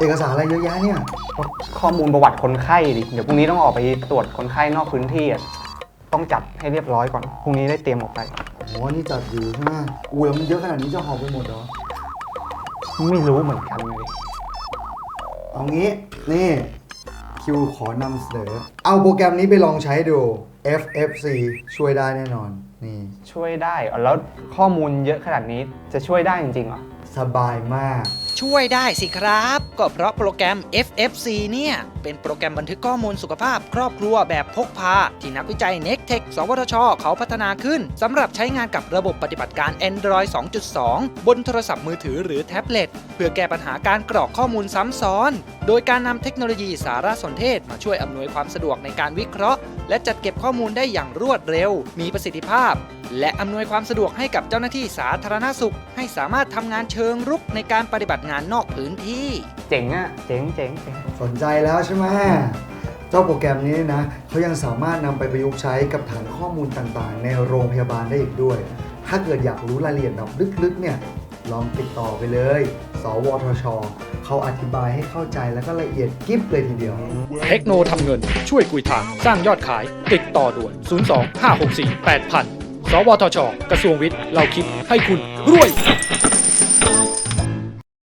เอกสารอะไรเยอะแยะเนี่ยข้อมูลประวัติคนไข้ดิเดี๋ยวพรุ่งนี้ต้องออกไปตรวจคนไข้นอกพื้นที่อ่ะต้องจัดให้เรียบร้อยก่อนพรุ่งนี้ได้เตรียมออกไปโอ้นี่จัดอยู่ใช่ไหมอุ้ยแล้วมันเยอะขนาดนี้จะหอบไปหมดเหรอไม่รู้เหมือนกันเลยเอางี้นี่คิวขอนำเสนอเอาโปรแกรมนี้ไปลองใช้ดู FFC ช่วยได้แน่นอนนี่ช่วยได้เหรอแล้วข้อมูลเยอะขนาดนี้จะช่วยได้จริงๆเหรอสบายมากช่วยได้สิครับ ก็เพราะโปรแกรม FFC เนี่ยเป็นโปรแกรมบันทึกข้อมูลสุขภาพครอบครัวแบบพกพาที่นักวิจัย Nectech สวทช เขาพัฒนาขึ้นสำหรับใช้งานกับระบบปฏิบัติการ Android 2.2 บนโทรศัพท์มือถือหรือแท็บเล็ตเพื่อแก้ปัญหาการกรอกข้อมูลซ้ำซ้อน โดยการนำเทคโนโลยีสารสนเทศมาช่วยอำนวยความสะดวกในการวิเคราะห์ และจัดเก็บข้อมูลได้อย่างรวดเร็ว มีประสิทธิภาพ และอำนวยความสะดวกให้กับเจ้าหน้าที่สาธารณสุข ให้สามารถทำงานเชิงรุกในการปฏิบัติงานนอกพื้นที่เจ๋งอ่ะเจ๋งเจ๋งเจ๋งสนใจแล้วใช่ไหมเจ้าโปรแกรมนี้นะเขายังสามารถนำไปประยุกต์ใช้กับฐานข้อมูลต่างๆ ในโรงพยาบาลได้อีกด้วย ถ้าเกิดอยากรู้รายละเอียดแบบลึกๆเนี่ยลองติดต่อไปเลย สวทช เขาอธิบายให้เข้าใจแล้วก็ละเอียดกิ๊บเลยทีเดียวเทคโนทำเงินช่วยกุยทางสร้างยอดขายติดต่อด่วน 02 564 8000 สวทช กระทรวงวิทย์ เราคิดให้คุณรวย